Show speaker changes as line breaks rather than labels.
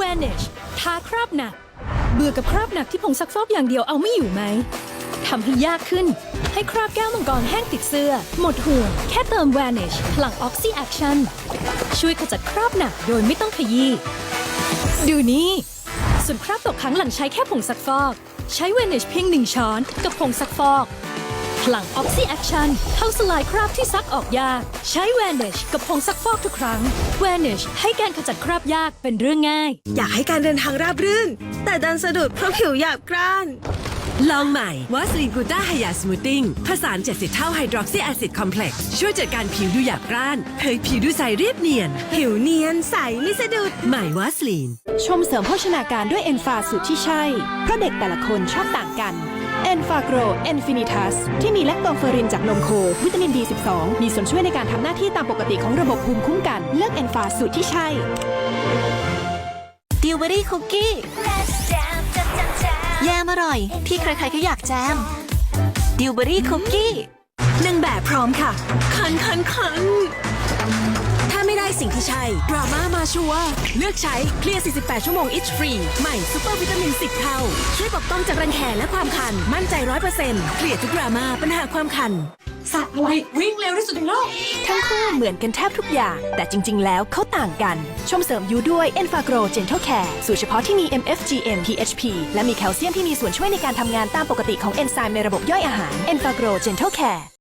Vanish ทาคราบหนักเบื่อกับคราบหนักที่ผงซักฟอกอย่างเดียวเอาไม่อยู่ไหมทำให้ยากขึ้นให้คราบแก้วมังกรแห้งติดเสื้อหมดห่วงแค่เติม Vanish พลัง Oxy Action ช่วยขจัดคราบหนักโดยไม่ต้องขยี้ดูนี่ส่วนคราบตกค้างหลังใช้แค่ผงซักฟอกใช้ Vanish เพียง1 ช้อนกับผงซักฟอกพลัง Oxy Action เข้าสลายคราบที่ซักออกยากใช้ Vanish กับผงซักฟอกทุกครั้ง Vanish ให้การขจัดคราบยากเป็นเรื่องง่าย
อยากให้การเดินทางราบรื่นแต่ดันสะดุดเพราะผิวหยาบกร้าน
ลองใหม่วาสลีนกูต้าไฮยาสมูทติ้งผสาน70เท่าไฮดรอกซีแอซิดคอมเพล็กซ์ช่วยจัดการผิวดูหยาบกร้านเผยผิวดูใสเรียบเนียน
ผิวเนียนใสไม่สะดุด
ใหม่วาสลีน
ชมเสริมโภชนาการด้วยเอนฟาสูตรที่ใช่เพราะเด็กแต่ละคนชอบต่างกันเอนฟาโกรเอนฟินิทัสที่มีแลคโตเฟอรินจากนมโควิตามิน B12 มีส่วนช่วยในการทำหน้าที่ตามปกติของระบบภูมิคุ้มกันเลือกเอนฟาสูตรที่ใช่
ดิวเบอรี่คุกกี้แยมอร่อยที่ใครๆก็อยากแจมดิวเบอรี่คุกกี้
1 แบบพร้อมค่ะคันถ้าไม่ได้สิ่งที่ใช่ดราม่ามาชัวร์เลือกใช้เคลียร์48 ชั่วโมง Itch Free ใหม่ซูเปอร์วิตามิน10 เท่าช่วยปกป้องจากรังแคและความคันมั่นใจ 100% เคลียร์ทุกดราม่าปัญหาความคัน
สัตว์อะไรวิ่งเร็วที่สุดในโลกทั้งคู่เหมือนกันแทบทุกอย่างแต่จริงๆแล้วเขาต่างกันชมเสริมยูด้วย Enfagro Gentle Care สูตรเฉพาะที่มี MFGM PHP และมีแคลเซียมที่มีส่วนช่วยในการทำงานตามปกติของเอนไซม์ในระบบย่อยอาหาร Enfagro Gentle Care